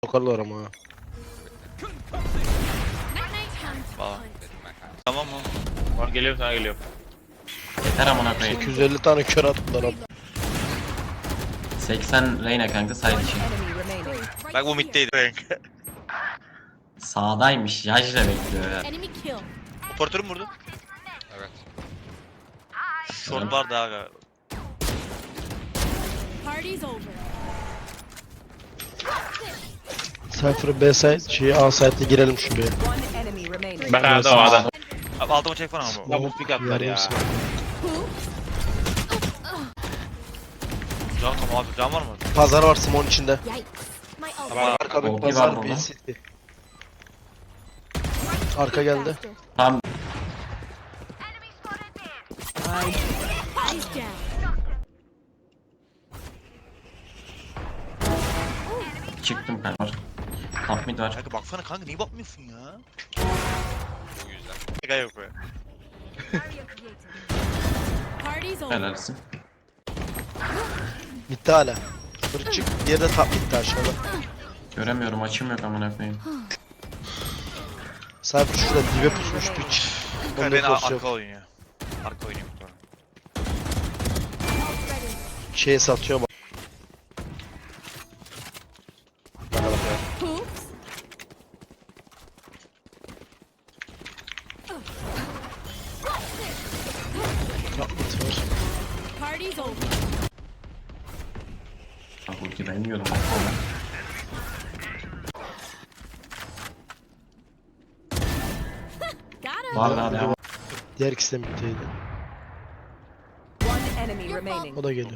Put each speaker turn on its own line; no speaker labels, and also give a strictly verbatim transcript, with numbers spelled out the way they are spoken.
Sokarlar ama ha.
Falan. Tamam mı?
Var geliyor sana geliyor.
Yeter amına koyayım.
sekiz yüz elli tane kör attılar abi.
seksen Reyna kanka side için.
Bak bu middeydi renk.
Sağdaymış. Yajra bekliyor ya.
Enemy kill.
Operatörü mü vurdu? Evet. Short vardı abi.
Party's over.
Cypher B site, şey A site'e girelim şuraya.
One enemy remaining.
Bak A'da o A'da.
Abi altıma çek falan ama.
Ya bu pick atlar ya.
Yarım saat.
Can tam abi can var mı?
Pazar var Simon içinde.
Yikes. My ult.
Tamam.
Arka bir
Olgi var
pazar
burada.
bir city. Arka geldi.
Tam
Eyes down.
çıktım kanka. Top mid var.
Kanka baksana kanka niye bakmıyorsun ya? Bu yüzden. Şaka yok be.
Party's over.
Helalsin.
Bitti hala. Bir çık. Diğeri de top bitti aşağıda.
Göremiyorum, açım yok amına koyayım.
Cypher şurada dibe pusmuş piç.
Kanka
Onda
beni
force
arka
yok.
oynuyor. Arka oynuyor bu arada.
Şeye satıyor bak. Bana bak ya.
Oops.
Top mid var.
Party's over.
Bak ulti ben yiyordum.
Got him.
Var daha devam.
Diğer ikisi de middeydi.
One enemy remaining.
O da geliyor.